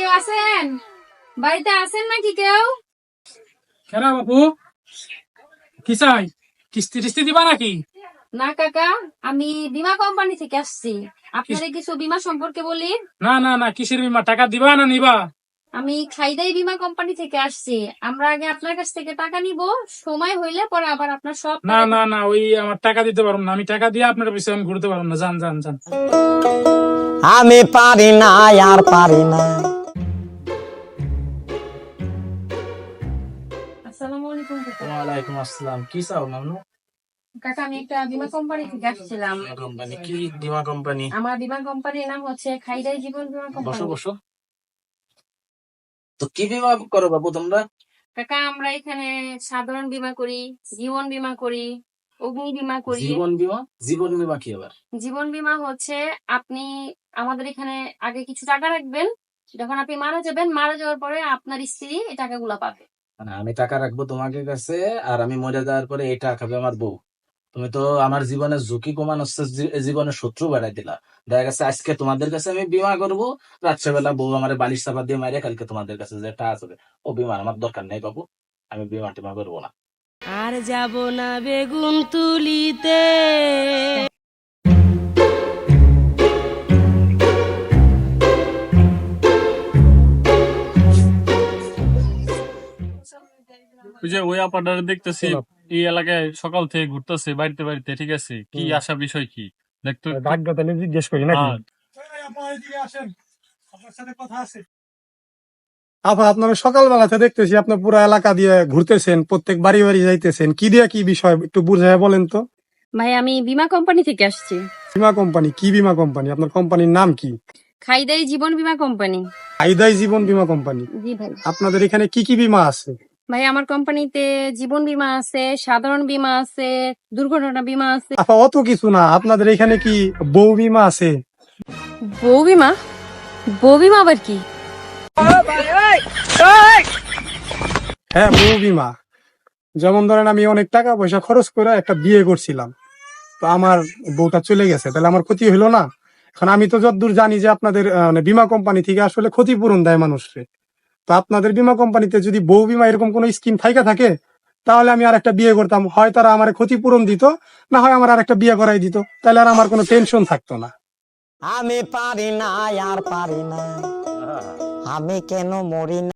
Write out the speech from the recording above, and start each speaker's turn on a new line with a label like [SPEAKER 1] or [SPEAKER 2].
[SPEAKER 1] কেউ আছেন? বাড়িতে আছেন নাকি কেউ?
[SPEAKER 2] কেন বাবু, কি চাই? কিস্তি টিস্তি দিবা নাকি?
[SPEAKER 1] না কাকা, আমি বীমা কোম্পানি থেকে আসছি। আপনাদের কিছু বীমা সম্পর্কে বলি।
[SPEAKER 2] না না না, কিসের বীমা? টাকা দিবা না নিবা?
[SPEAKER 1] আমি খাইদাই বীমা কোম্পানি থেকে আসছি। আমরা আগে আপনার কাছ থেকে টাকা নিব, সময় হইলে পরে আবার আপনার সব
[SPEAKER 2] না
[SPEAKER 1] টাকা-
[SPEAKER 2] না না, ওই আমার টাকা দিতে পারবো না। আমি টাকা দিয়ে আপনার পিছনে আমি ঘুরতে পারবো না। যান যান যান।
[SPEAKER 3] আমি পারি না আর পারি না।
[SPEAKER 1] আসসালামু আলাইকুম কাকা।
[SPEAKER 4] ওয়ালাইকুম আসসালাম। কি চাও নানু?
[SPEAKER 1] কাকা, আমি একটা বীমা কোম্পানি থেকে আসছিলাম।
[SPEAKER 4] কোম্পানি কি? বীমা কোম্পানি?
[SPEAKER 1] আমার বীমা কোম্পানির নাম হচ্ছে খাইদাই জীবন বীমা
[SPEAKER 4] বসো
[SPEAKER 1] কোম্পানি।
[SPEAKER 4] বসো। তো কি বীমা করো বাবু তোমরা?
[SPEAKER 1] কাকা, আমরা এখানে সাধারণ বীমা করি, জীবন বীমা করি, অগ্নি বীমা করি।
[SPEAKER 4] জীবন বীমা? জীবন বীমা কি আবার?
[SPEAKER 1] জীবন বীমা হচ্ছে আপনি আমাদের এখানে আগে কিছু টাকা রাখবেন, যখন আপনি মারা যাবেন, মারা যাওয়ার পরে আপনার স্ত্রী এই টাকাগুলো পাবে।
[SPEAKER 4] মানে আমি টাকা রাখবো তোমাকে কাছে, আর আমি মরে যাওয়ার পরে এই টাকা খাবে আমার বউ। তুমি তো আমার জীবনের ঝুঁকি কমানোর জীবনের শত্রু বাড়াই দিলা। দেখা গেছে আজকে তোমাদের কাছে আমি বীমা করবো, রাত্রেবেলা বউ আমার বালিশ চাপা দিয়ে মারে কালকে তোমাদের কাছে যে টাকা আসবে। ও বীমা আমার দরকার নেই বাবু, আমি বীমা টিমা করবো না।
[SPEAKER 5] আর যাব না বেগুন তুলিতে।
[SPEAKER 6] ওই যে ওই আপাটার দেখতেছি এই এলাকায় সকাল থেকে ঘুরতেছে বাড়িতে বাড়িতে, ঠিক আছে? কি আসা বিষয় কি দেখতো একটু?
[SPEAKER 2] ভাগ্য তাহলে জিজ্ঞেস করি নাকি?
[SPEAKER 6] হ্যাঁ।
[SPEAKER 7] আপা, আপনারা সকালবেলাতে দেখতেছি আপনার পুরো এলাকা দিয়ে ঘুরতেছেন, প্রত্যেক বাড়ি বাড়ি যাইতেছেন, কি দিয়ে কি বিষয় একটু বুঝাই বলেন তো।
[SPEAKER 1] ভাই, আমি বীমা কোম্পানি থেকে আসছি।
[SPEAKER 7] বীমা কোম্পানি? কি বীমা কোম্পানি? আপনার কোম্পানির নাম কি?
[SPEAKER 1] খাইদাই জীবন বীমা কোম্পানি।
[SPEAKER 7] আইদাই জীবন বীমা কোম্পানি।
[SPEAKER 1] জি ভাই।
[SPEAKER 7] আপনাদের এখানে কি কি বীমা আছে?
[SPEAKER 1] ভাই, আমার কোম্পানিতে জীবন বীমা আছে, সাধারণ বীমা আছে, দুর্ঘটনা বীমা আছে।
[SPEAKER 7] আপা, অত কিছু না, আপনাদের এখানে কি বউ বীমা আছে?
[SPEAKER 1] বউ বীমা? বউ বীমা আবার কি?
[SPEAKER 7] হ্যাঁ, বউ বীমা। যেমন ধরেন আমি অনেক টাকা পয়সা খরচ করে একটা বিয়ে করছিলাম, তো আমার বউটা চলে গেছে, তাহলে আমার ক্ষতি হইলো না? এখন আমি তো যতদূর জানি যে আপনাদের মানে বীমা কোম্পানি থেকে আসলে ক্ষতিপূরণ দেয় মানুষকে। তো আপনাদের বীমা কোম্পানিতে যদি বউ বীমা এরকম কোনো স্কিম থাইকা থাকে, তাহলে আমি আর একটা বিয়ে করতাম, হয় তারা আমার ক্ষতিপূরণ দিত, না হয় আমার আর একটা বিয়ে করাই দিত, তাহলে আর আমার কোনো টেনশন থাকতো না।
[SPEAKER 3] আমি পারি না আর পারি না। আমি কেন মরি না।